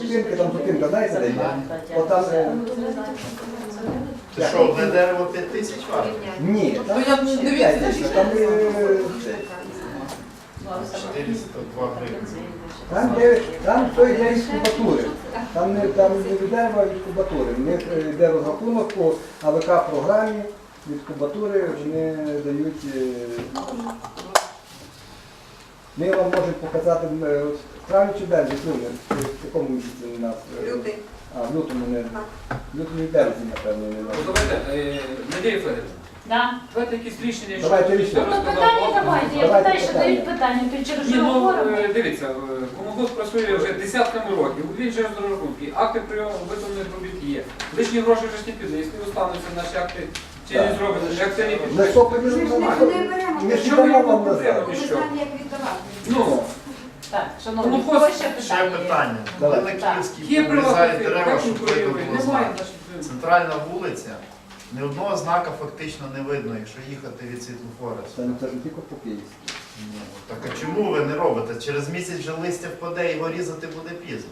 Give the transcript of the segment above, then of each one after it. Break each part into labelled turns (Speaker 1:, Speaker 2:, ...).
Speaker 1: зупинки, там зупинка, знаєте, де є? От там...
Speaker 2: Це що, одне дерево 5 тисяч варто?
Speaker 1: Ні, там
Speaker 3: я не
Speaker 1: 5 тисяч, там...
Speaker 2: 402 гривні.
Speaker 1: Там все йде із кубатури. Там не від дерева, а від кубатури. В них йде розрахунок по АВК-програмі, від кубатури вони дають... Ми вам можемо показати в травні чи березні, в якому місяці у нас?
Speaker 4: Лютий.
Speaker 1: А, в лютому не. В лютому і березні, напевно, не нас.
Speaker 5: Давайте, Надія Федорівна,
Speaker 6: Да.
Speaker 5: давайте якісь рішення,
Speaker 1: Давайте рішення.
Speaker 6: Ну, питання давайте. Я
Speaker 1: Давайте
Speaker 6: питаю, що
Speaker 1: питання.
Speaker 6: дають питання, то через
Speaker 5: Ні,
Speaker 6: що
Speaker 5: ну,
Speaker 6: говоримо?
Speaker 5: дивіться, комунгосп працює вже десятками років, він же розрахунки, акти прийому виконаних робіт є. Лишні гроші вже ж не піде, якщо остануться наші акти, чи не
Speaker 1: Так.
Speaker 5: зробити, як це не
Speaker 1: Ми
Speaker 5: піде.
Speaker 1: що
Speaker 4: Ми
Speaker 1: поділимо?
Speaker 4: ж не беремо,
Speaker 1: Ми ж
Speaker 5: Що ми
Speaker 1: дамо вам
Speaker 5: йому
Speaker 1: назад.
Speaker 4: ми знаємо, як віддавати.
Speaker 5: Ну,
Speaker 6: Так, шановні,
Speaker 5: Ну,
Speaker 6: кого ще
Speaker 2: Ще
Speaker 6: питання?
Speaker 2: питання.
Speaker 1: Давай.
Speaker 2: Коли на Київській
Speaker 5: є приватні
Speaker 2: обрізають
Speaker 5: фірми,
Speaker 2: дерева,
Speaker 5: як
Speaker 2: щоб видно
Speaker 5: конкурують,
Speaker 2: було
Speaker 5: немає
Speaker 2: знак.
Speaker 5: наших.
Speaker 2: Центральна вулиця, ні одного знака фактично не видно, якщо їхати від світлофора.
Speaker 1: Це не тільки по Київськи.
Speaker 2: Ні, ну, так а чому ви не робите? Через місяць вже листя впаде, його різати буде пізно.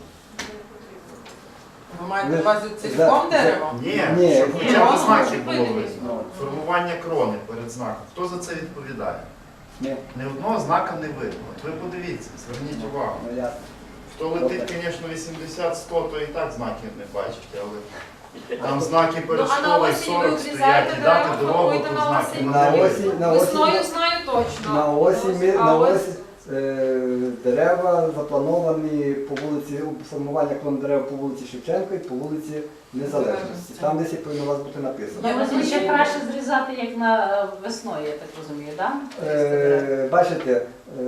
Speaker 3: Ви маєте на увазі цілком дерево?
Speaker 2: Ні,
Speaker 1: Ні.
Speaker 2: щоб хоча б знаки було
Speaker 3: Видно.
Speaker 2: видно. Формування крони перед знаком. Хто за це відповідає?
Speaker 1: Ні.
Speaker 2: Ні одного знака не видно. От ви подивіться, зверніть увагу.
Speaker 1: Ну, я...
Speaker 2: Хто летить, звісно, 80-100, то і так знаків не бачите, але там знаки перед
Speaker 7: Ну, а на
Speaker 2: школою
Speaker 7: осінь ви
Speaker 2: 40
Speaker 7: обрізаєте
Speaker 2: стоять, і дати
Speaker 7: дерева,
Speaker 2: дорогу,
Speaker 7: формуєте
Speaker 2: то
Speaker 7: на
Speaker 2: знаки
Speaker 7: осінь?
Speaker 1: На
Speaker 2: не
Speaker 1: осінь,
Speaker 2: видно.
Speaker 1: на осінь,
Speaker 7: Весною знаю точно.
Speaker 1: на осінь,
Speaker 7: А
Speaker 1: на
Speaker 7: ось-
Speaker 1: осінь дерева заплановані по вулиці, формування клону дерев по вулиці Шевченка і по вулиці Незалежності. Там десь повинно у вас бути написано.
Speaker 6: Я розумію, ще краще зрізати, як на весною, я так розумію, так?
Speaker 1: Бачите,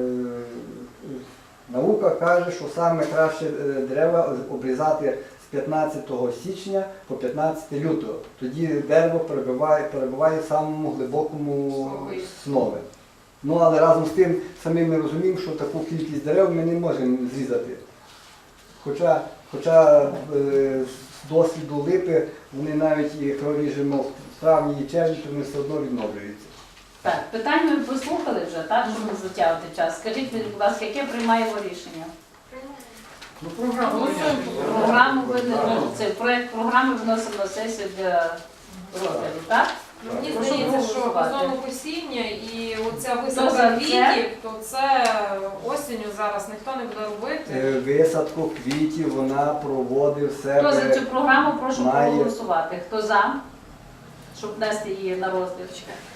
Speaker 1: наука каже, що саме краще дерева обрізати з 15 січня по 15 лютого. Тоді дерево перебуває в самому глибокому снові. Ну, але разом з тим самим ми розуміємо, що таку кількість дерев ми не можемо зрізати. Хоча з досвіду липи, вони навіть, якщо ріжемо в травні і червні, то вони все одно відновлюються.
Speaker 6: Так, питання ви послухали вже, так, щоб не затягувати час. Скажіть, мені, будь ласка, яке приймаємо рішення?
Speaker 5: Ну, програму.
Speaker 6: Програму це проєкт програми вносимо на сесію для розгляду, так?
Speaker 7: Мені
Speaker 6: Прошу
Speaker 7: здається, що
Speaker 6: голосувати.
Speaker 7: газонокосіння і оця
Speaker 6: Хто
Speaker 7: висадка
Speaker 6: за це?
Speaker 7: квітів, то це осінню зараз ніхто не буде робити.
Speaker 1: Висадку квітів вона проводив
Speaker 6: Хто за цю
Speaker 1: себе.
Speaker 6: програму, прошу
Speaker 1: має-
Speaker 6: проголосувати. Хто за, щоб внести її на розгляд?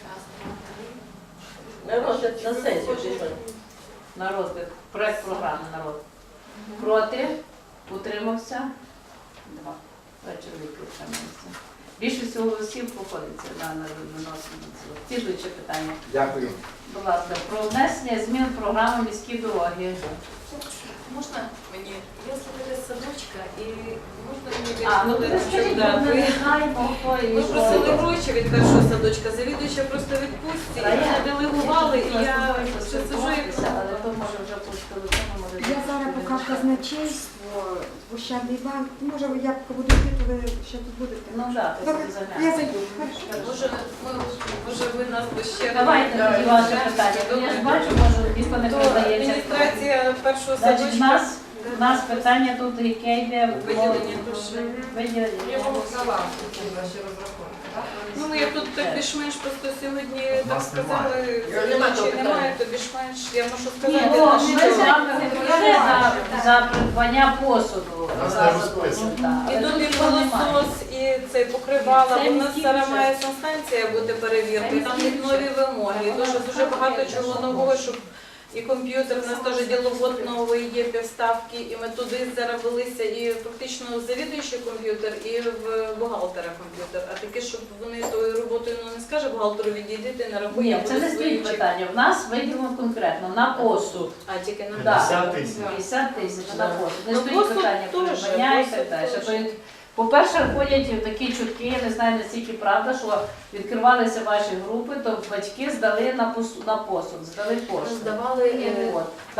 Speaker 8: На розгляд на сесію пішли.
Speaker 6: На розгляд. Проєкт програми на розгляд. Проти? Утримався? Два. Два чоловіки утрималися. Більшість голосів походиться на виносимо. Слідуюче питання.
Speaker 1: Дякую.
Speaker 6: Будь ласка, про внесення змін в програму міські дороги.
Speaker 8: Можна мені? Я слухаю садочка і можна мені
Speaker 6: Ну ви скажіть, бо ми не знаємо, хто і
Speaker 8: Ми
Speaker 6: що.
Speaker 8: просили гроші від першого садочка, завідуюча просто відпустці, і мене делегували, і я ще сиджу і
Speaker 6: але то може вже по телефону, може.
Speaker 4: Я зараз поки в казначейство, в Ощадний банк, може я поки буду йти, то ви ще тут будете.
Speaker 6: Ну так,
Speaker 4: Добре,
Speaker 6: ти
Speaker 4: я
Speaker 6: заглянеш.
Speaker 4: зайду. Хорошо.
Speaker 8: може ви нас би ще...
Speaker 6: Давайте тоді ваше питання. Я ж бачу, може, ніхто не
Speaker 8: То
Speaker 6: передається.
Speaker 8: адміністрація першого
Speaker 6: Значить,
Speaker 8: садочка.
Speaker 6: у нас питання тут, яке йде про
Speaker 8: Виділення грошей.
Speaker 6: виділення.
Speaker 7: Я вам дала ці ваші розрахунки, так?
Speaker 8: Ну, я тут так більш-менш просто сьогодні
Speaker 2: У
Speaker 8: так
Speaker 2: нас
Speaker 8: сказали,
Speaker 2: немає.
Speaker 8: чи немає, то більш-менш, я можу
Speaker 6: Ні,
Speaker 8: сказати,
Speaker 6: ну,
Speaker 8: на
Speaker 6: ми
Speaker 8: що.
Speaker 6: з вами говорили за придбання посуду.
Speaker 2: Нас
Speaker 6: за
Speaker 2: не
Speaker 6: забудову,
Speaker 2: розписано.
Speaker 6: так.
Speaker 8: І
Speaker 6: Але
Speaker 8: тут
Speaker 6: тут
Speaker 8: і
Speaker 6: цього немає.
Speaker 8: пилосос, і цей покривала,
Speaker 6: Це
Speaker 8: бо в нас
Speaker 6: міський
Speaker 8: зараз
Speaker 6: бюджет.
Speaker 8: має санстанція бути перевірка, і там в них нові вимоги. І дуже багато чого нового, щоб і комп'ютер, у нас теж діловод новий є, півставки, і ми туди зараз велися, і фактично завідуючий комп'ютер, і в бухгалтера комп'ютер. А таке, щоб вони тою роботою не скаже бухгалтеру відійди, ти нарахуй, я
Speaker 6: Ні, це
Speaker 8: буду
Speaker 6: не стоїть
Speaker 8: свої
Speaker 6: питання. В нас виділено конкретно на посуд.
Speaker 8: А тільки на
Speaker 6: Да.
Speaker 2: 50 тисяч.
Speaker 6: 50 тисяч на посуд. Не
Speaker 8: Ну,
Speaker 6: стоїть
Speaker 8: посуд
Speaker 6: питання
Speaker 8: теж,
Speaker 6: придбання і
Speaker 8: посуд
Speaker 6: так далі.
Speaker 8: теж.
Speaker 6: Тобто, по-перше, ходять такі чутки, я не знаю наскільки правда, що відкривалися ваші групи, то батьки здали на посуд, здали кошти.
Speaker 8: здавали.
Speaker 6: От. Так?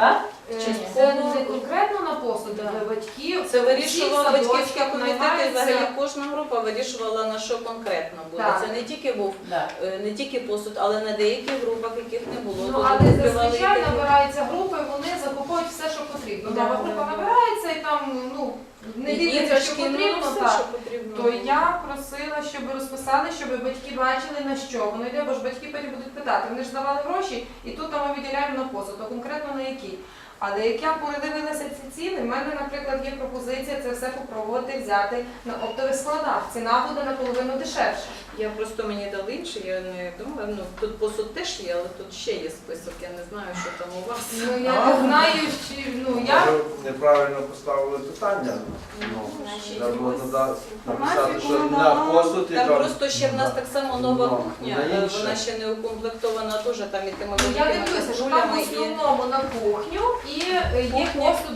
Speaker 7: Це не конкретно на посуд для батьків.
Speaker 8: Це вирішував
Speaker 7: Всі
Speaker 8: батьківський
Speaker 7: садочки
Speaker 8: комітет, і
Speaker 7: наймаються.
Speaker 8: взагалі кожна група вирішувала, на що конкретно буде.
Speaker 7: Так.
Speaker 8: Це не тільки був
Speaker 6: Да.
Speaker 8: не тільки посуд, але на деяких групах, яких не було.
Speaker 7: Ну,
Speaker 8: Тут
Speaker 7: але
Speaker 8: відкривали
Speaker 7: зазвичай
Speaker 8: і такі.
Speaker 7: набираються групи, вони закуповують все, що потрібно.
Speaker 4: Да,
Speaker 7: Нова
Speaker 4: да,
Speaker 7: група
Speaker 4: да.
Speaker 7: набирається і там не дивляться, що
Speaker 8: Іграшки, ну,
Speaker 7: потрібно,
Speaker 8: все,
Speaker 7: так.
Speaker 8: що потрібно.
Speaker 7: То я просила, щоб розписали, щоб батьки бачили, на що воно йде, бо ж батьки потім будуть питати. Вони ж давали гроші, і тут там ми виділяємо на посуд, то конкретно на який. Але як я передивилася ці ціни, в мене, наприклад, є пропозиція це все попробувати взяти на оптових складах. Ціна буде наполовину дешевша.
Speaker 8: Я просто мені дали інший, я не думаю, тут посуд теж є, але тут ще є список, я не знаю, що там у вас.
Speaker 7: Ну я не знаю, чи я
Speaker 9: Може, неправильно поставили питання. Треба було написати, що на посуд і
Speaker 8: Там
Speaker 9: там.
Speaker 8: просто ще в нас так само нова
Speaker 9: Ну,
Speaker 8: кухня,
Speaker 9: на інше.
Speaker 8: вона ще не укомплектована, теж там і тими
Speaker 7: я
Speaker 8: великими
Speaker 7: дивлюся, що там в
Speaker 8: кастрюлями, і
Speaker 7: основному на кухню і є
Speaker 8: Кухня.
Speaker 7: посуд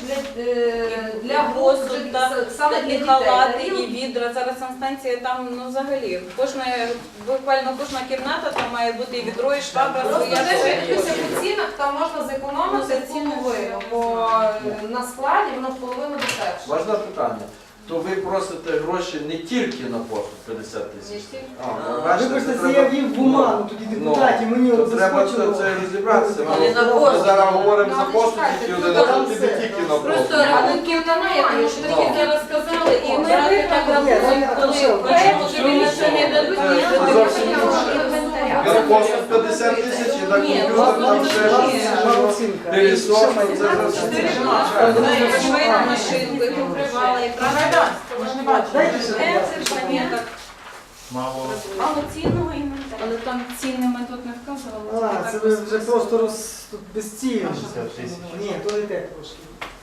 Speaker 7: для
Speaker 8: посуд,
Speaker 7: посуд,
Speaker 8: да,
Speaker 7: саме для
Speaker 8: і
Speaker 7: дітей.
Speaker 8: халати, і відра. Зараз санстанція там, взагалі, буквально кожна кімната, там має бути і відро, і швабра,
Speaker 7: Просто
Speaker 8: своя
Speaker 7: те, що я
Speaker 8: своя.
Speaker 7: дивлюся по цінах, там можна зекономити
Speaker 8: Ну, це ціни
Speaker 7: половину,
Speaker 8: все.
Speaker 7: бо на складі воно в половину дешевше.
Speaker 9: Можна питання? То ви просите гроші не тільки на посуд 50
Speaker 8: Не
Speaker 9: тисяч?
Speaker 8: тільки.
Speaker 1: Вибачте, це я вів в оману, тоді депутатів, мені
Speaker 9: То
Speaker 1: от
Speaker 9: треба
Speaker 1: заскочило.
Speaker 9: це розібратися.
Speaker 8: Але на
Speaker 9: Ми
Speaker 8: посуд.
Speaker 9: зараз говоримо
Speaker 7: Ну,
Speaker 9: за
Speaker 7: але
Speaker 9: посуд,
Speaker 7: чекайте,
Speaker 9: тільки
Speaker 7: тут
Speaker 9: один,
Speaker 7: там
Speaker 9: а тут
Speaker 1: все.
Speaker 9: не тільки на
Speaker 8: Просто
Speaker 9: посуд.
Speaker 8: рахунків немає, тому що так як зараз сказали, і
Speaker 7: Ми
Speaker 8: брати так рахунок, коли тобі нічого не дадуть, ні,
Speaker 9: Це
Speaker 8: тобі
Speaker 9: зовсім
Speaker 8: нічого
Speaker 9: інше.
Speaker 8: не
Speaker 9: На
Speaker 8: дадуть.
Speaker 9: посуд 50 тисяч і на
Speaker 8: Ні,
Speaker 9: комп'ютер там
Speaker 8: ну,
Speaker 9: ще
Speaker 8: ні.
Speaker 9: щось. Пилісос, ну, це зовсім інше.
Speaker 8: Швейну машинку, і покривала, і правда.
Speaker 1: Дайте ще, будь ласка.
Speaker 8: Це пам'яток.
Speaker 2: Мало.
Speaker 8: Мало цінного інвентаря. Але там ціни ми тут не вказували.
Speaker 1: А, це ви вже просто тут безцільно.
Speaker 2: 60 тисяч.
Speaker 1: Ні, то не те трошки.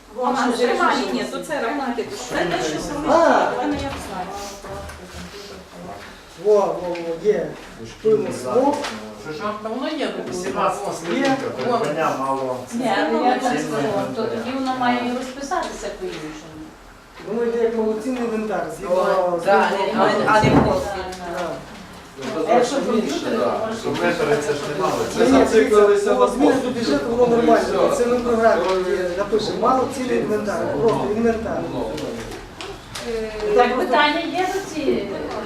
Speaker 8: Ні, то це рахунки. Це те, що саме.
Speaker 1: А.
Speaker 8: Я не знаю.
Speaker 1: Во, є. Пильно смок.
Speaker 3: Та воно є.
Speaker 2: 18 слідка, придбання мало.
Speaker 6: Ні, але я так сказала, то тоді воно має і розписатися по-іншому.
Speaker 1: Воно йде як повноцінний інвентар.
Speaker 3: Да, а не просто.
Speaker 6: А якщо
Speaker 9: Зовсім інше,
Speaker 6: комп'ютери,
Speaker 9: да.
Speaker 6: то можна.
Speaker 2: Метри це ж немало.
Speaker 9: Ми зациклилися на
Speaker 1: Зміни до
Speaker 9: посуд.
Speaker 1: бюджету, воно нормально.
Speaker 9: Все.
Speaker 1: Це ми в програмі напишемо. Мало цінний інвентар. Просто інвентар.
Speaker 6: Так, питання є до цієї?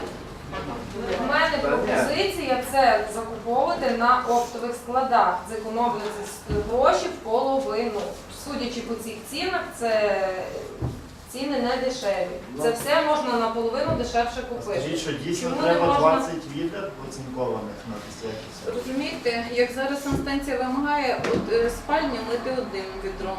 Speaker 7: У мене пропозиція це закуповувати на оптових складах, зекономити гроші в половину. Судячи по цих цінах, це ціни не дешеві. Це все можна наполовину дешевше купити.
Speaker 2: Скажіть, що дійсно
Speaker 7: Чому не
Speaker 2: треба
Speaker 7: можна?
Speaker 2: 20 відер оцінкованих на десятки.
Speaker 8: Розумієте, як зараз санстанція вимагає спальню мити одним відром,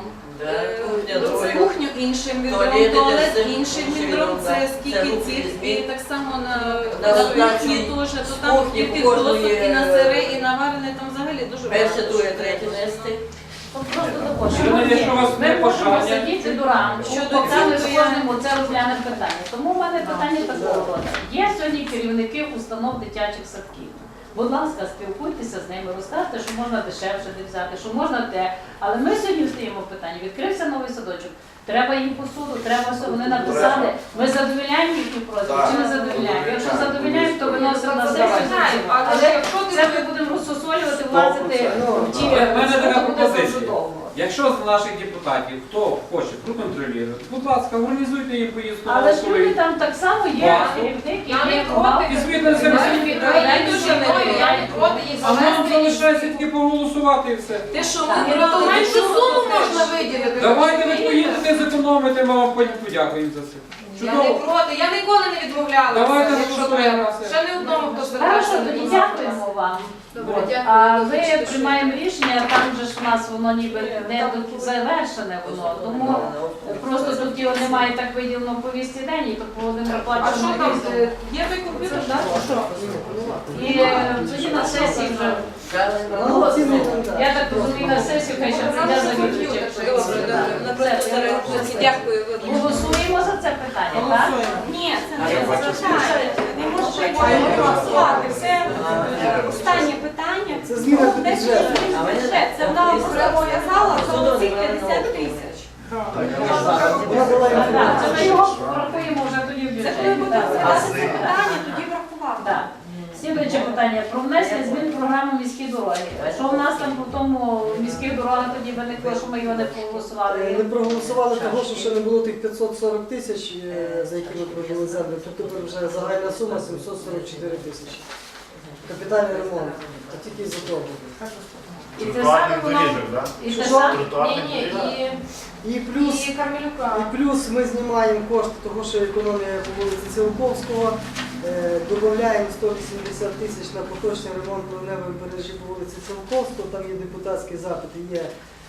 Speaker 8: кухню іншим відром, туалет іншим відром, це скільки цих, і так само на кухні теж, то там скільки досок і на сире, і на варене, там взагалі дуже багато.
Speaker 6: Нести. От просто також.
Speaker 5: Шановні, якщо у вас
Speaker 6: Ми
Speaker 5: є
Speaker 6: можемо
Speaker 5: бажання.
Speaker 6: сидіти до ранку,
Speaker 8: Щодо
Speaker 6: поки ми з
Speaker 8: цього я-
Speaker 6: кожним це розглянемо питання. Тому в мене питання такого роду. Є сьогодні керівники установ дитячих садків. Будь ласка, спілкуйтеся з ними, розкажете, що можна дешевше де взяти, що можна те. Але ми сьогодні стоїмо в питанні. Відкрився новий садочок. Треба їм посуду, треба все. Вони написали. Ми задовільняємо їхні просьби
Speaker 9: Так.
Speaker 6: чи не задовільняємо? Якщо задовільняємо, то виносимо на
Speaker 7: Давайте.
Speaker 6: сесію.
Speaker 7: Але
Speaker 6: Але
Speaker 7: якщо ти
Speaker 6: це ми будемо розсосолювати, влазити в ті.
Speaker 5: У мене така
Speaker 6: буде
Speaker 5: пропозиція.
Speaker 6: дуже довго.
Speaker 5: Якщо з наших депутатів хто хоче проконтролювати, будь ласка, організуйте їм поїздку на
Speaker 6: Але ж люди
Speaker 5: Москву.
Speaker 6: там так само є
Speaker 5: Класно.
Speaker 6: керівник,
Speaker 7: Я не
Speaker 6: є
Speaker 7: проти.
Speaker 6: бухгалтер.
Speaker 5: І звідти на себе
Speaker 6: Я
Speaker 5: собі.
Speaker 6: не
Speaker 7: Я
Speaker 6: проти.
Speaker 7: дуже мною, я не проти їх
Speaker 5: А нам
Speaker 7: завести.
Speaker 5: залишається тільки проголосувати і все.
Speaker 8: Те, що
Speaker 7: То
Speaker 8: ми брали,
Speaker 7: меншу
Speaker 8: що
Speaker 7: суму
Speaker 8: теж.
Speaker 7: можна виділити.
Speaker 5: Давайте ви поїдете, зекономите, ми вам потім подякуємо за це.
Speaker 7: Я не проти, я ніколи не відмовлялася,
Speaker 5: Давайте
Speaker 7: якщо
Speaker 5: голосуємо
Speaker 7: треба.
Speaker 5: за це.
Speaker 7: Ще не одному, хто
Speaker 6: Хорошо,
Speaker 7: звертався.
Speaker 6: тоді дякуємо вам.
Speaker 8: Добре,
Speaker 6: От.
Speaker 8: дякую.
Speaker 6: А
Speaker 8: Вибачте,
Speaker 6: ви
Speaker 8: що
Speaker 6: приймаємо рішення, там же ж у нас воно ніби не завершене воно. Тому просто тут його немає так виділено в повісті день, і то Володимир
Speaker 7: А що
Speaker 6: плаче.
Speaker 7: там? Є той комп'ютер, так?
Speaker 6: І тоді на сесії вже.
Speaker 1: Мало цінний інвентар.
Speaker 6: Я так розумію, на сесію хай ще прийде за
Speaker 8: Добре, добре. На просто зараз дякую. вибачте.
Speaker 6: Голосуємо за це питання, так?
Speaker 4: Ні, це не означає. Не може голосувати. Це останнє питання.
Speaker 1: Це зміна до бюджету.
Speaker 4: Бюджет. Це вона зобов'язала за цих 50 тисяч.
Speaker 1: Вона була
Speaker 6: Так,
Speaker 1: інформація.
Speaker 6: це ми його врахуємо вже тоді в
Speaker 4: Це коли
Speaker 6: бюджеті.
Speaker 4: буде
Speaker 6: Так.
Speaker 4: розглядатися питання, тоді врахувати.
Speaker 6: Так. Слідуюче питання про внесення змін в програму міські дороги. Що в нас там по тому міських дорогах тоді виникло, що ми його не
Speaker 10: Не
Speaker 6: проголосували?
Speaker 10: проголосували того, що ще не було тих 540 тисяч, за які ми провели землю. Тут тепер вже загальна сума 744 тисячі. Капітальний ремонт. Це тільки із-за того.
Speaker 6: І це
Speaker 2: Тротуарних
Speaker 6: саме воно.
Speaker 2: доріжок, так?
Speaker 6: І це
Speaker 10: Що?
Speaker 6: саме.
Speaker 2: Тротуарних
Speaker 6: Ні,
Speaker 2: доріжок.
Speaker 10: І плюс,
Speaker 7: І Кармелюка.
Speaker 10: і плюс ми знімаємо кошти того, що економія по вулиці Цілковського. Додаємо 180 тисяч на поточний ремонт ливневої мережі по вулиці Цілковського. Там є депутатські запити, є,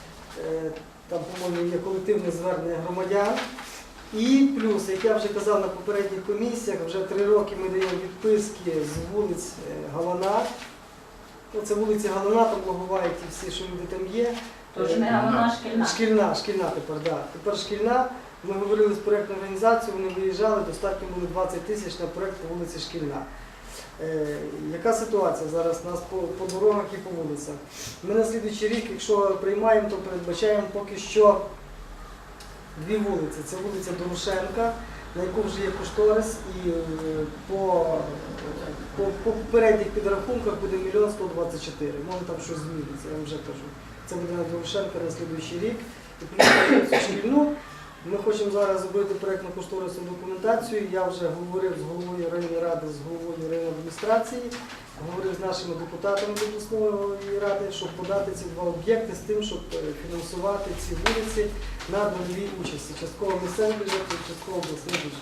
Speaker 10: там, по-моєму, є колективне звернення громадян. І плюс, як я вже казав на попередніх комісіях, вже 3 роки ми даємо відписки з вулиць Галана. Це вулиці Галана, там Логовають і всі, що люди там є.
Speaker 6: Тож не головна шкільна.
Speaker 10: Шкільна тепер, так. Да. Тепер шкільна. Ми говорили з проєктною організацією, вони виїжджали, достатньо було 20 тисяч на проєкт по вулиці Шкільна. Яка ситуація зараз у нас по дорогах і по вулицях? Ми на слідуючий рік, якщо приймаємо, то передбачаємо поки що 2 вулиці. Це вулиця Дорошенка, на яку вже є кошторис, і по попередніх підрахунках буде 1 124 000. Може там щось зміниться, я вам вже кажу. Це буде на Дорошенка на слідуючий рік. І плюс на шкільну. Ми хочемо зараз зробити проєктно-кошторисну документацію. Я вже говорив з головою районної ради, з головою районної адміністрації, говорив з нашими депутатами обласної ради, щоб подати ці 2 об'єкти з тим, щоб фінансувати ці вулиці на дольовій участі. Частково місцевий бюджет і частково обласний бюджет.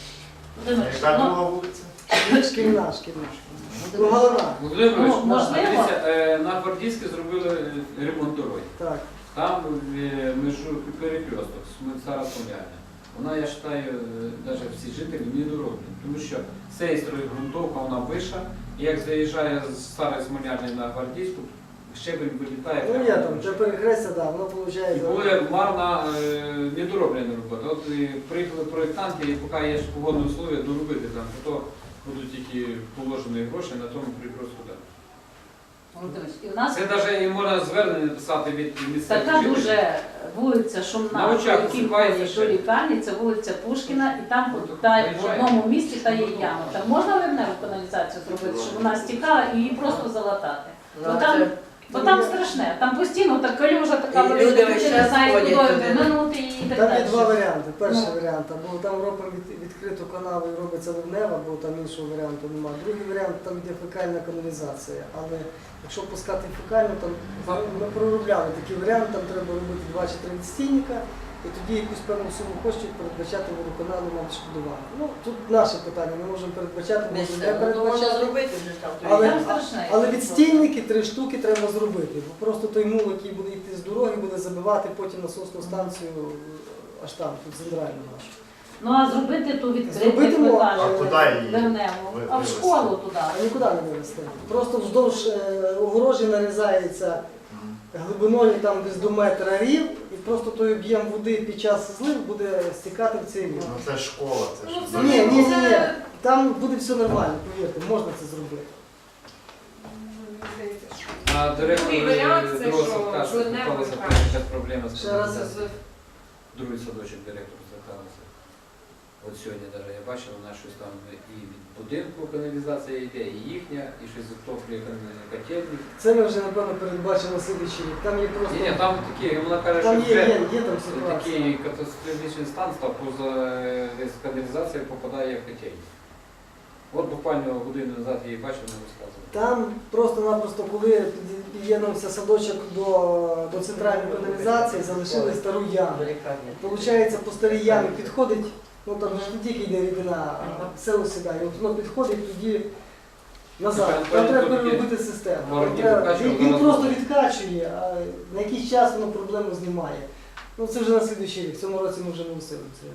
Speaker 2: Яка друга вулиця?
Speaker 10: Шкільна. Ну, Галана.
Speaker 5: Володимир Ігорович,
Speaker 6: Можливо.
Speaker 5: дивіться, на Гвардійській зробили ремонт дороги.
Speaker 10: Так.
Speaker 5: Там межу перекресток, Смольцара Смоляння. Вона, я вважаю, навіть всі жителі не дороблять. Тому що з цієї сторони ґрунтовка, вона вища, і як заїжджає з Старої Смоляння на Гвардійську, щебень вилітає.
Speaker 10: Ну є там, це перехрестя, так, воно
Speaker 5: І
Speaker 10: виходить.
Speaker 5: буде марна недороблена робота. От приїхали проєктанти, і поки є погодні условия, доробити там, то будуть тільки положені гроші на тому перекрестку.
Speaker 6: Володимирович, і в нас
Speaker 5: Це навіть і можна звернення писати від місцевих
Speaker 6: така
Speaker 5: жителів.
Speaker 6: дуже вулиця
Speaker 5: На
Speaker 6: шумна,
Speaker 5: очах
Speaker 6: які
Speaker 5: висипається
Speaker 6: ходять
Speaker 5: ще.
Speaker 6: до лікарні, це вулиця Пушкіна, і там
Speaker 5: Ну,
Speaker 6: та, в
Speaker 5: виїжджає.
Speaker 6: одному місці та є яма. Там можна ливневу каналізацію зробити, щоб вона стікала і її просто залатати? Бо там страшне, там постійно так калюжа така
Speaker 3: І
Speaker 6: велика,
Speaker 3: люди
Speaker 6: люди
Speaker 3: весь
Speaker 6: не
Speaker 3: час
Speaker 6: знають,
Speaker 3: ходять
Speaker 6: куди
Speaker 3: туди.
Speaker 6: минути і так
Speaker 10: Там є
Speaker 6: далі.
Speaker 10: 2 варіанти. Перший
Speaker 6: Ну.
Speaker 10: варіант, або там робимо відкриту канаву і робиться ливнева, бо там іншого варіанту немає. Другий варіант, там йде фекальна каналізація. Але якщо пускати фекальну, там ми проробляли такий варіант, там треба робити 2 чи 3 відстійника, і тоді якусь певну суму коштів передбачати водоканалу на відшкодування. Ну, тут наше питання, ми можемо передбачати, можемо не
Speaker 3: Ну, можна
Speaker 10: передбачати.
Speaker 3: зробити вже там.
Speaker 6: Там страшне.
Speaker 10: Але відстійники 3 штуки треба зробити, бо просто той мул, який буде йти з дороги, буде забивати потім насосну станцію аж там, тут центральну нашу.
Speaker 6: Ну а зробити ту
Speaker 10: Зробити
Speaker 6: відкриту
Speaker 10: можна.
Speaker 2: А куди її
Speaker 6: ливневу, а в
Speaker 2: вивести?
Speaker 6: школу туди.
Speaker 10: А нікуди не вивезти. Просто вздовж огорожі нарізається глибиною там десь до метра рів, і просто той об'єм води під час злив буде стікати в цей рів.
Speaker 2: Ну це ж школа, це ж.
Speaker 7: Ну, це
Speaker 10: Ні. Там буде все нормально, повірте, можна це зробити.
Speaker 5: А директор
Speaker 7: Другий варіант це,
Speaker 5: другого
Speaker 7: що
Speaker 5: садка
Speaker 7: зливневою
Speaker 5: зверталася,
Speaker 7: краще.
Speaker 5: якась проблема з
Speaker 10: Ще раз.
Speaker 5: каналізацією. Другий садочок директор зверталася. От сьогодні навіть я бачив, вона щось там і від будинку каналізація йде, і їхня, і щось затоплює котельник.
Speaker 10: Це ми вже, напевно, передбачимо на слідуючий рік. Там є просто...
Speaker 5: Ні, там такі, вона каже,
Speaker 10: Там
Speaker 5: що вже
Speaker 10: є там ситуація.
Speaker 5: такий катастрофічний стан став, поза десь каналізація попадає в котельник. От буквально годину назад я її бачив, вона розказувала.
Speaker 10: Там просто-напросто, коли під'єднався садочок до центральної каналізації, залишили стару яму. Получається, по старій ямі підходить, ну там ж не тільки йде рідина, а все осідає. От воно підходить тоді назад. Там треба переробити систему. Там треба- Він просто відкачує, а на якийсь час воно проблему знімає. Ну це вже на слідуючий рік, в цьому році ми вже не усилимо це.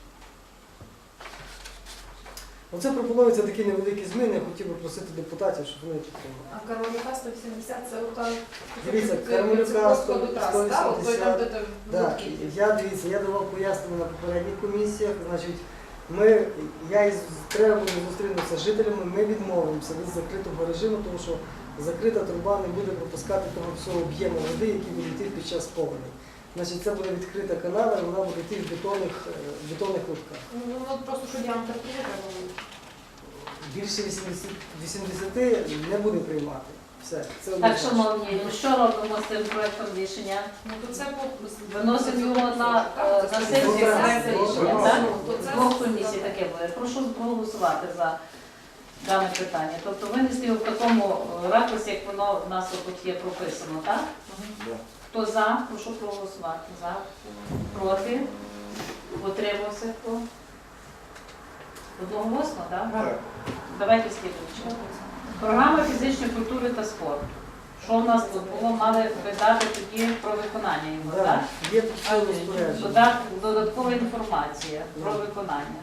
Speaker 10: Оце пропонуються такі невеликі зміни, я хотів би просити депутатів, щоб вони підтримали.
Speaker 7: А Кармелюка 180 це ота...
Speaker 10: Дивіться, Кармелюка
Speaker 7: 180.
Speaker 10: Так, я давав пояснення на попередніх комісіях, значить, треба буде зустрінутися з жителями, ми відмовимося від закритого режиму, тому що закрита труба не буде пропускати того всього об'єму води, який буде йти під час повені. Значить, це буде відкрита канава, і вона буде йти в бетонних лутках.
Speaker 7: Ну, просто що діаметр треба буде.
Speaker 10: більше 80 не буде приймати. Все, це
Speaker 6: Так,
Speaker 10: однозначно.
Speaker 6: шановні, що робимо з цим проектом рішення?
Speaker 7: Ну, то це
Speaker 6: Виносимо його на сесію
Speaker 10: Добре.
Speaker 6: проект рішення, так?
Speaker 7: То це-
Speaker 6: З двох комісій таке буде. Прошу проголосувати за дане питання. Тобто винести його в такому ракурсі, як воно в нас тут є прописано, так? Хто за, прошу проголосувати. За, проти, утримався хто? Одноголосно, так?
Speaker 2: Так.
Speaker 6: Давайте слідуючи. Програма фізичної культури та спорту. Що в нас тут було? Мали видати тоді про виконання його, так?
Speaker 10: Да, є тут все розпорядження.
Speaker 6: Додаткова інформація про виконання.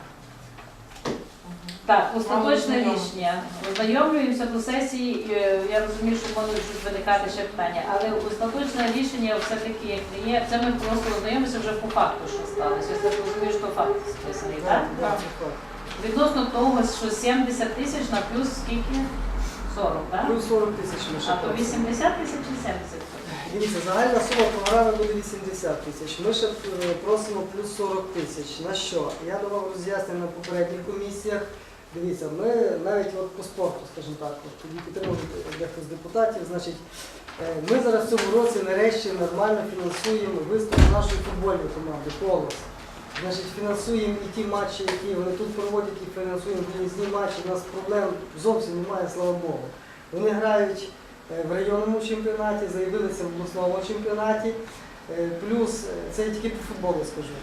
Speaker 6: Так, остаточне рішення. Ознайомлюємося до сесії. Я розумію, що можуть виникати ще питання, але остаточне рішення все-таки як не є. Це ми просто ознайомимося вже по факту, що сталося. Я розумію, що факт списаний, так?
Speaker 10: Да, це факт.
Speaker 6: Відносно того, що 70 тисяч на плюс скільки? 40, так?
Speaker 10: Плюс 40 тисяч ми ще
Speaker 6: А то
Speaker 10: просимо.
Speaker 6: 80 тисяч чи 70?
Speaker 10: Дивіться, загальна сума програми буде 80 тисяч. Ми ще просимо плюс 40 тисяч. На що? Я давав роз'яснення на попередніх комісіях. Дивіться, ми навіть от по спорту, скажімо так, от тоді підтримав дехто з депутатів, значить, ми зараз в цьому році нарешті нормально фінансуємо виступ нашої футбольної команди «Колос». Значить, фінансуємо і ті матчі, які вони тут проводять, і фінансуємо виїзні матчі. У нас проблем зовсім немає, слава Богу. Вони грають в районному чемпіонаті, заявилися в обласному чемпіонаті. Плюс, це я тільки по футболу скажу.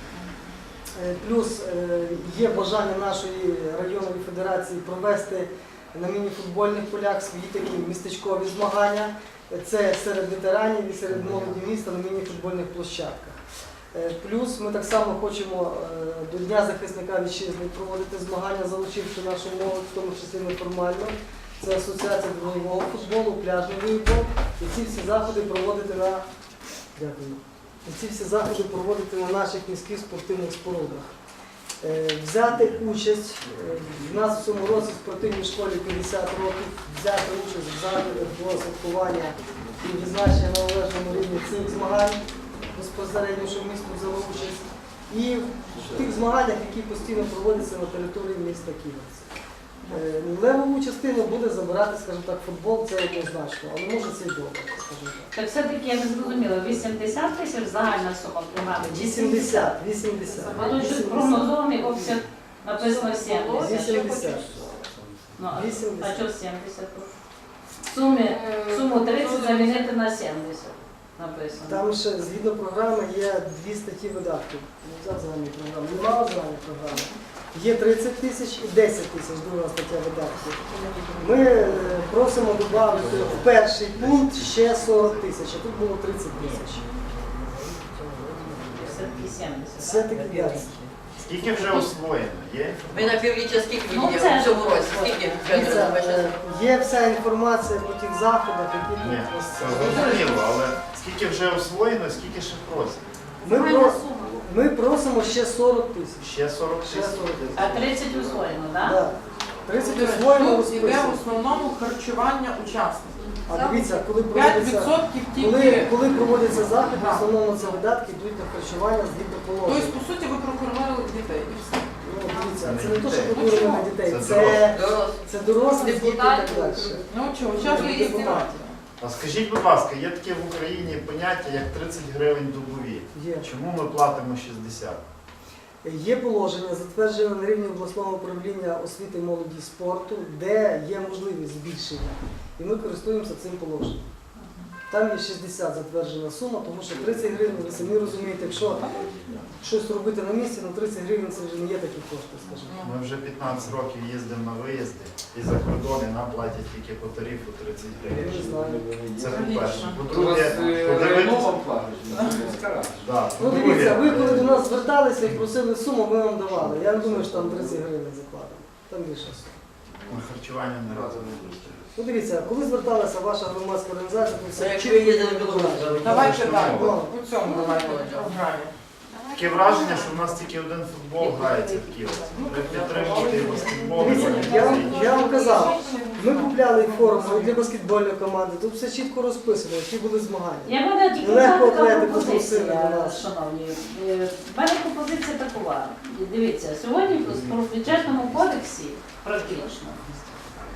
Speaker 10: Плюс є бажання нашої районної федерації провести на міні-футбольних полях свої такі містечкові змагання. Це серед ветеранів і серед молоді міста на міні-футбольних площадках. Плюс ми так само хочемо до Дня захисника вітчизни проводити змагання, залучивши нашу молодь, в тому числі неформально. Це асоціація бойового футболу, пляжний волейбол. І ці всі заходи проводити на Дякую. І ці всі заходи проводити на наших міських спортивних спорудах. Взяти участь, в нас в цьому році в спортивній школі 50 років, взяти участь в заходах до святкування і відзначення на належному рівні цих змагань, безпосередньо, що місто взяло участь, і в тих змаганнях, які постійно проводяться на території міста Ківерці. Левову частину буде забирати, скажімо так, футбол, це однозначно, але може це й добре, скажімо так.
Speaker 6: Так все-таки я не зрозуміла, 80 тисяч загальна сума програми?
Speaker 10: 80.
Speaker 6: А тут щось прогнозований обсяг написано 70.
Speaker 10: 80.
Speaker 6: Ну, а
Speaker 10: 80.
Speaker 6: що 70? Суму 30 замінити на 70 написано.
Speaker 10: Там ще згідно програми є 2 статті видатків. Не взяв загальні програми. Немає загальної програми. Є 30 тисяч і 10 тисяч, друга стаття видатків. Ми просимо додати в перший пункт ще 40 тисяч, а тут було 30 тисяч.
Speaker 6: Все-таки 70.
Speaker 10: Все-таки 5.
Speaker 2: Скільки вже освоєно? Є?
Speaker 3: Ви на півріччя скільки
Speaker 6: Ну,
Speaker 3: виділи
Speaker 6: це
Speaker 3: в цьому році? Скільки вже
Speaker 10: Є вся інформація по тих заходах, які
Speaker 2: Ні,
Speaker 10: тут.
Speaker 2: це зрозуміло, але скільки вже освоєно, скільки ще просять?
Speaker 10: Ми просимо ще 40 тисяч.
Speaker 2: Ще 40
Speaker 10: Ще
Speaker 2: тисяч.
Speaker 10: 40 тисяч.
Speaker 6: А 30 усвоєно, так?
Speaker 10: Да. 30 освоєно
Speaker 11: Тут іде в
Speaker 10: розписано.
Speaker 11: основному харчування учасників.
Speaker 10: А дивіться, коли проводиться...
Speaker 11: 5% тільки.
Speaker 10: Коли проводиться захід, в
Speaker 11: Так.
Speaker 10: основному це видатки йдуть на харчування згідно
Speaker 11: Тобто,
Speaker 10: положення.
Speaker 11: по суті, ви прокормили дітей і все.
Speaker 10: Ну, дивіться, це не те,
Speaker 2: дітей.
Speaker 10: що подурили на дітей,
Speaker 2: Це
Speaker 10: це дорослі діти і так далі.
Speaker 11: Ну чого, чого ви їсти?
Speaker 2: А скажіть, будь ласка, є таке в Україні поняття, як 30 гривень добові.
Speaker 10: Є.
Speaker 2: Чому ми платимо 60?
Speaker 10: Є положення, затверджене на рівні обласного управління освіти, молоді і спорту, де є можливість збільшення. І ми користуємося цим положенням. Там є 60 затверджена сума, тому що 30 гривень, ви самі розумієте, якщо щось робити на місці, ну 30 гривень це вже не є такі кошти, скажімо.
Speaker 2: Ми вже 15 років їздимо на виїзди і за кордон і нам платять тільки по тарифу 30
Speaker 10: Я не
Speaker 2: гривень.
Speaker 10: знаю.
Speaker 2: Це по-перше.
Speaker 5: У вас
Speaker 2: По-друге, подивитися.
Speaker 5: районова платить,
Speaker 2: Да.
Speaker 10: Ну дивіться, ви коли до нас зверталися і просили суму, ми вам давали. Я не думаю, що там 30 гривень закладено. Там більше сума.
Speaker 2: На харчування не разу не вистачить.
Speaker 10: Ну дивіться, коли зверталася ваша громадська організація, то все
Speaker 3: Якщо ви їздили в Білорусь,
Speaker 11: Давайте так,
Speaker 10: Ну.
Speaker 11: у цьому давайте програмі.
Speaker 2: Таке враження, що в нас тільки один футбол грається в Києві. Треба підтримувати і баскетбол, і
Speaker 10: Дивіться,
Speaker 2: волейбол.
Speaker 10: я вам казав, ми купляли форму для баскетбольної команди, тут все чітко розписано, які були змагання.
Speaker 6: Я мене тільки
Speaker 10: Легко
Speaker 6: така
Speaker 10: атлетику
Speaker 6: пропозиція,
Speaker 10: запросили до нас.
Speaker 6: шановні. В мене пропозиція такова. Дивіться, сьогодні в бюджетному кодексі практично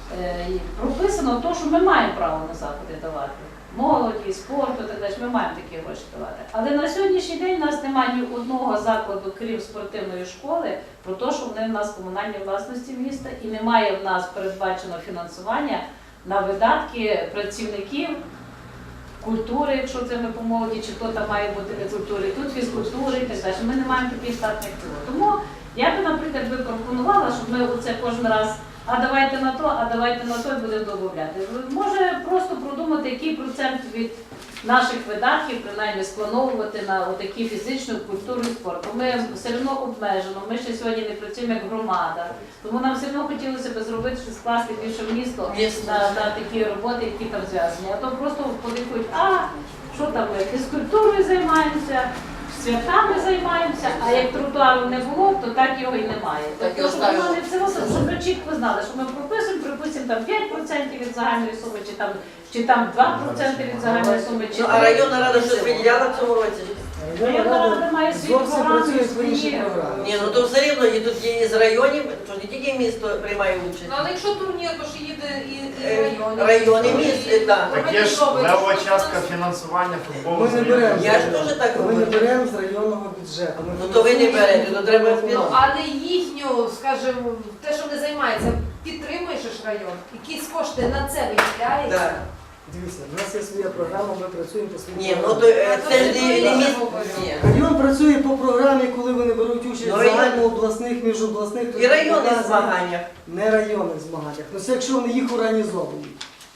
Speaker 6: і прописано те, що ми маємо право на заходи давати. Молоді, спорту, так далі, ми маємо такі гроші давати. Але на сьогоднішній день у нас немає ні одного закладу, крім спортивної школи, про те, що вони в нас в комунальній власності міста, і немає в нас передбачено фінансування на видатки працівників культури, якщо це ми по молоді, чи то там має бути не культури, тут фізкультури і так далі. Ми не маємо таких штатних цілей. Тому я би, наприклад, би пропонувала, щоб ми оце кожен раз, а давайте на то, а давайте на то і будемо додавати. Може просто продумати, який процент від наших видатків, принаймні, сплановувати на отакі фізичну культуру і спорт. Бо ми все одно обмежено, ми ще сьогодні не працюємо як громада. Тому нам все одно хотілося б зробити, що скласти більше в місто на такі роботи, які там зв'язані. А то просто подихають, що там ми фізкультурою займаємося, святами займаємося, а як тротуару не було, то так його і немає.
Speaker 3: Так і
Speaker 6: Тобто, щоб
Speaker 3: оставили.
Speaker 6: ми все одно, щоб ми чітко знали, що ми прописуємо, припустимо там 5% від загальної суми, чи там 2% від загальної суми, чи
Speaker 3: Ну, а районна рада щось виділяла в цьому році?
Speaker 6: Районна рада має свою
Speaker 10: зовсім
Speaker 6: програму,
Speaker 10: працює по іншій
Speaker 6: свої.
Speaker 10: програмі.
Speaker 3: Ні, ну то все рівно і тут є із районів, що не тільки місто приймає участь.
Speaker 7: Ну, але якщо турнір, то ж їде і район.
Speaker 3: Райони, місто, так.
Speaker 2: Так є ж левова частка фінансування футболу.
Speaker 10: Ми не беремо.
Speaker 3: Я ж теж так
Speaker 10: Ми не
Speaker 3: говорю.
Speaker 10: беремо з районного бюджету. Ми
Speaker 3: Ну то ви не берете, то треба
Speaker 7: Ну, але їхню, скажімо, те, що вони займаються, підтримуєш ж район. Якісь кошти на це виділяється.
Speaker 3: Так.
Speaker 10: Дивіться, у нас є своя програма, ми працюємо по своїй
Speaker 3: Ні, ну
Speaker 10: програмі.
Speaker 3: то це ж не місто. Ні.
Speaker 10: Район працює по програмі, коли вони беруть участь
Speaker 3: Ну,
Speaker 10: в
Speaker 3: район-
Speaker 10: загальнообласних, міжобласних.
Speaker 3: І районних
Speaker 10: показах.
Speaker 3: змаганнях.
Speaker 10: Не районних змаганнях. Ну це якщо вони їх організовують.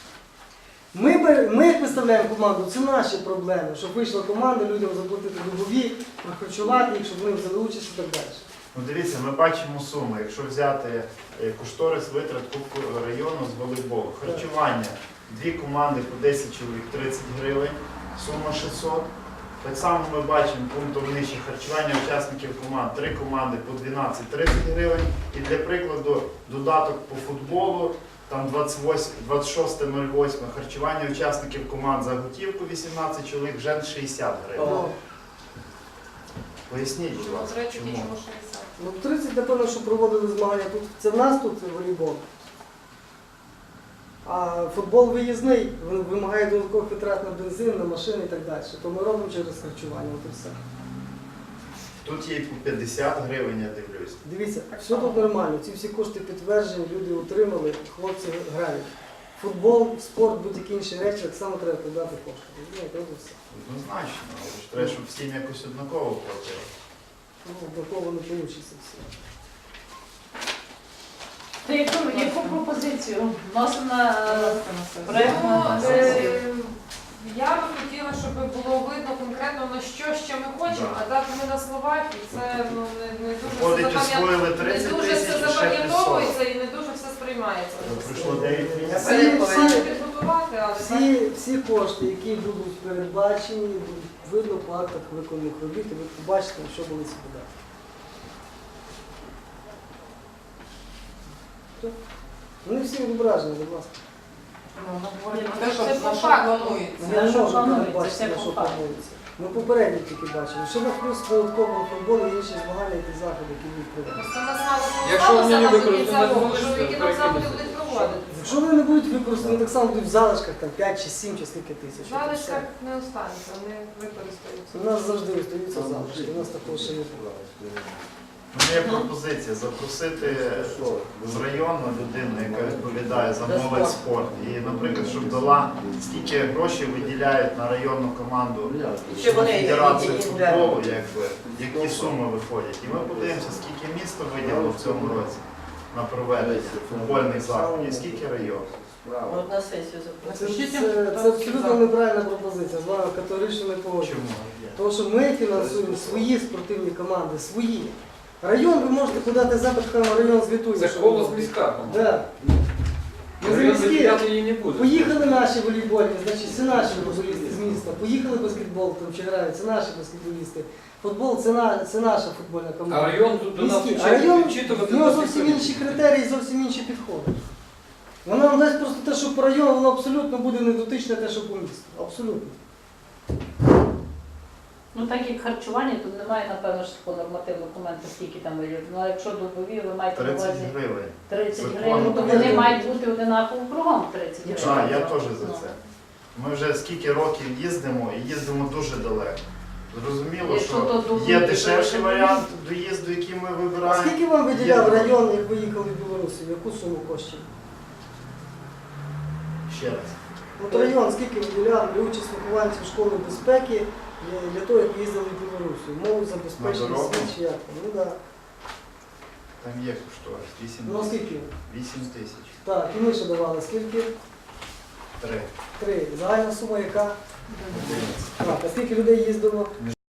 Speaker 10: Ми як виставляємо команду, це наші проблеми, щоб вийшла команда, людям заплатити добові, прохарчувати їх, щоб вони взяли участь і так далі.
Speaker 2: Ну дивіться, ми бачимо суми. Якщо взяти кошторис витрат Кубку району з волейболу, харчування, дві команди по 10 чоловік 30 гривень, сума 600. Так само ми бачимо пунктом нижче харчування учасників команд, 3 команди по 12-30 гривень. І для прикладу додаток по футболу, там 26.08 харчування учасників команд за готівку 18 чоловік, вже 60 гривень.
Speaker 3: О.
Speaker 2: Поясніть, будь
Speaker 7: Ну,
Speaker 2: ласка,
Speaker 7: до речі,
Speaker 2: чому?
Speaker 7: чому 60?
Speaker 10: Ну 30, напевно, що проводили змагання тут. Це в нас тут волейбол. А футбол виїзний, він вимагає додаткових витрат на бензин, на машини і так далі. То ми робимо через харчування. От і все.
Speaker 2: Тут є і по 50 гривень, я дивлюсь.
Speaker 10: Дивіться, все тут нормально, ці всі кошти підтверджені, люди отримали, хлопці грають. Футбол, спорт, будь-які інші речі, так само треба подати кошти. Розумієте, от і все.
Speaker 2: Однозначно, але ж треба, щоб всім якось однаково платили.
Speaker 10: Ну, однаково не вийде все.
Speaker 6: То яку пропозицію вносимо на проект
Speaker 7: Ну,
Speaker 6: на сесію?
Speaker 7: я би хотіла, щоб було видно конкретно, на що ще ми хочемо,
Speaker 2: Да.
Speaker 7: а дати ми на словах, і це ну, не дуже
Speaker 2: Виходить,
Speaker 7: все
Speaker 2: освоїли
Speaker 7: не
Speaker 2: 30
Speaker 7: дуже
Speaker 2: тисяч
Speaker 7: все
Speaker 2: і ще
Speaker 7: запам'ятовується і не дуже все сприймається.
Speaker 2: Пройшло 9 місяців.
Speaker 7: Це підготувати, але так.
Speaker 10: Всі кошти, які будуть передбачені, будуть видно по актах виконаних робіт, і ви побачите, на що були ці видатки. Вони всі відображені, будь ласка.
Speaker 11: Ну, говорить про те,
Speaker 7: Це
Speaker 11: що
Speaker 7: по
Speaker 11: на що
Speaker 7: факту.
Speaker 11: планується.
Speaker 10: Я не
Speaker 6: що
Speaker 10: можу
Speaker 6: планується,
Speaker 10: передбачити,
Speaker 6: це
Speaker 10: на
Speaker 6: по
Speaker 10: що
Speaker 6: факту.
Speaker 10: планується. Ми попередньо тільки бачимо. Що на плюс додаткового футболу і інші змагання, які заходи, які будуть проведені.
Speaker 7: Це нас мало
Speaker 5: Якщо вони не
Speaker 7: залишилося до
Speaker 5: використають,
Speaker 7: кінця року,
Speaker 5: можете
Speaker 7: що які нам заходи
Speaker 5: перекинути.
Speaker 7: будуть проводити.
Speaker 10: Якщо вони не будуть використані, так само будуть в залишках там 5 чи 7 чи скільки тисяч. От і
Speaker 7: Залишка
Speaker 10: все.
Speaker 7: не останеться, вони використаються.
Speaker 10: У нас завжди остаються залишки, у нас такого ще не було.
Speaker 2: У мене є пропозиція запросити з району людину, яка відповідає за молодь спорт. І, наприклад, щоб дала, скільки грошей виділяють на районну команду
Speaker 3: Чи вони
Speaker 2: Федерації
Speaker 3: які
Speaker 2: футболу, які суми виходять. І ми подивимося, скільки місто виділило в цьому році на проведення футбольних заходів, і скільки район.
Speaker 3: Ну, от на сесію запросити.
Speaker 10: Це абсолютно неправильна пропозиція, з вами категорично не погоджуюсь.
Speaker 2: Чому?
Speaker 10: Тому що ми фінансуємо свої спортивні команди, свої. Район ви можете подати запит, хай вам район звітує.
Speaker 5: Це
Speaker 10: що
Speaker 5: голос
Speaker 10: ви
Speaker 5: міська, по-моєму.
Speaker 10: Да. Ми
Speaker 5: Район
Speaker 10: за міські.
Speaker 5: виділяти її не буде.
Speaker 10: Поїхали наші волейбольні, значить це наші футболісти з міста. Поїхали баскетбол, там чи грають, це наші баскетболісти. Футбол це наша футбольна
Speaker 5: А
Speaker 10: команда.
Speaker 5: район тут до нас
Speaker 10: Міський. А район,
Speaker 5: відчитувати
Speaker 10: в нього
Speaker 5: нас
Speaker 10: зовсім
Speaker 5: ніхто не
Speaker 10: інші
Speaker 5: буде.
Speaker 10: критерії, зовсім інші підходи. Вона нам дасть просто те, що по району, воно абсолютно буде не дотичне те, що по місту. Абсолютно.
Speaker 6: Ну так як харчування, тут немає, напевно, ж по нормативному документу, скільки там варіантів. Ну а якщо добові, ви маєте на
Speaker 2: 30
Speaker 6: увазі
Speaker 2: гривень.
Speaker 6: 30
Speaker 2: Закон.
Speaker 6: гривень, то вони мають бути одинаково кругом 30 гривень.
Speaker 2: А, я теж за
Speaker 6: Ну.
Speaker 2: це. Ми вже скільки років їздимо і їздимо дуже далеко. Зрозуміло,
Speaker 6: Якщо то
Speaker 2: що
Speaker 6: думати,
Speaker 2: є
Speaker 6: то
Speaker 2: дешевший
Speaker 6: це
Speaker 2: варіант доїзду, який ми
Speaker 10: А
Speaker 2: вибираємо.
Speaker 10: скільки вам виділяв район, як ви їхали в Білорусі? Яку суму коштів?
Speaker 2: Ще раз.
Speaker 10: От район скільки виділяв для участь вихованців школи безпеки для того, як їздили в Білорусі? Мову забезпечення
Speaker 2: На дорогу?
Speaker 10: світ чи як там? Ну так.
Speaker 2: Там є кошторис. 8
Speaker 10: Ну а скільки?
Speaker 2: 8 тисяч.
Speaker 10: Так, і ми ще давали. Скільки?
Speaker 2: 3.
Speaker 10: 3. Загальна сума яка?
Speaker 2: 11.
Speaker 10: Так, а скільки людей їздило?